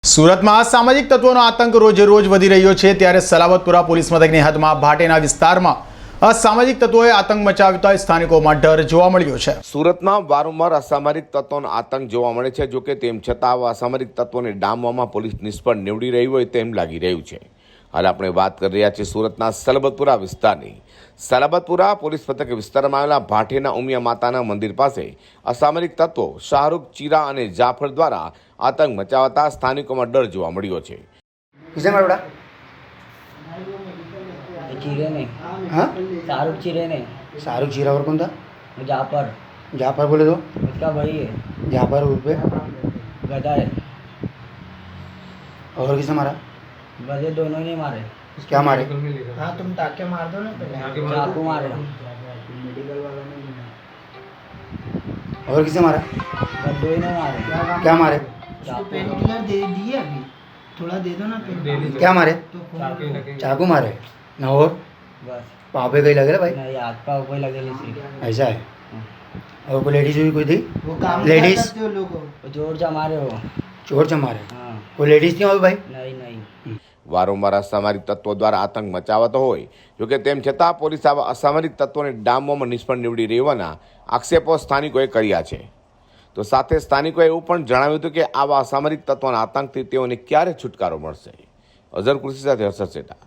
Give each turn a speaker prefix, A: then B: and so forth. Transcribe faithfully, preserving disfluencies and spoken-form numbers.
A: સુરતમાં સામાજિક તત્વોનો આતંક રોજે રોજ વધી રહ્યો છે ત્યારે સલાબતપુરા પોલીસ મથકની હદમાં ભાટેના વિસ્તારમાં અસામાજિક તત્વોએ આતંક મચાવતા સ્થાનિકોમાં ડર જોવા મળ્યો છે।
B: સુરતમાં વારંવાર અસામરિક તત્વોનો આતંક જોવા મળે છે। જો કે તેમ છતાં આવા અસામરિક તત્વોને ડામવામાં પોલીસ નિષ્ફળ નીવડી રહી હોય તેમ લાગી રહ્યું છે। હાલ આપણે વાત કરી રહ્યા છીએ સુરતના સલાબતપુરા વિસ્તારની। સલાબતપુરા પોલીસ મથક વિસ્તારમાં આવેલા ભાટેના ઉમિયા માતાના મંદિર પાસે અસામરિક તત્વો શાહરૂખ ચીરા અને જાફર દ્વારા આતંક મચાવતા સ્થાનિકોમાં ડર જોવા મળ્યો છે।
C: किसे मार बड़ा
D: चीरे ने
C: हाँ
D: शाहरुख चीरे ने
C: शाहरुख जीरा और कौन था
D: जाफर
C: जाफर बोले तो
D: उसका भाई है
C: जाफर उर्फ पे
D: गधा है
C: और किसे मारा
D: गधे दोनों ने मारे
C: क्या मारे
E: हाँ तुम टाके मार दो ना पहले
D: चाकू मारे
C: और किसे मारा
D: गधों ने मारे
C: क्या मारे
E: पेन किलर दे दिए अभी थोड़ा दे दो ना पेन
C: क्या मारे
E: तो
C: चाकू मारे ना और
D: बस
C: पाँव पे कहीं लगे भाई
D: नहीं हाथ पाँव कोई लगेली थी
C: ऐसा है और कोई लेडीज भी कोई थी
E: वो काम
C: लेडीज
E: करते हो लोगों
D: वो जोर से मारे हो
C: चोर से मारे
D: हाँ
C: कोई लेडीज थी वहाँ पे भाई
D: नहीं नहीं
B: વારંવાર અસામરિક તત્વો દ્વારા આતંક મચાવતો હોય જોકે તેમ છતાં પોલીસ આવા અસામરિક તત્વોને ડામવામાં નિષ્ફળ નીવડી રહેવાના આક્ષેપો સ્થાનિકોએ કર્યા છે। તો સાથે સ્થાનિકોએ એવું પણ જણાવ્યું હતું કે આવા અસામરિક તત્વોના આતંકથી તેઓને ક્યારે છુટકારો મળશે। અઝર કૃષિ સાથે હર્ષદ સેઠા।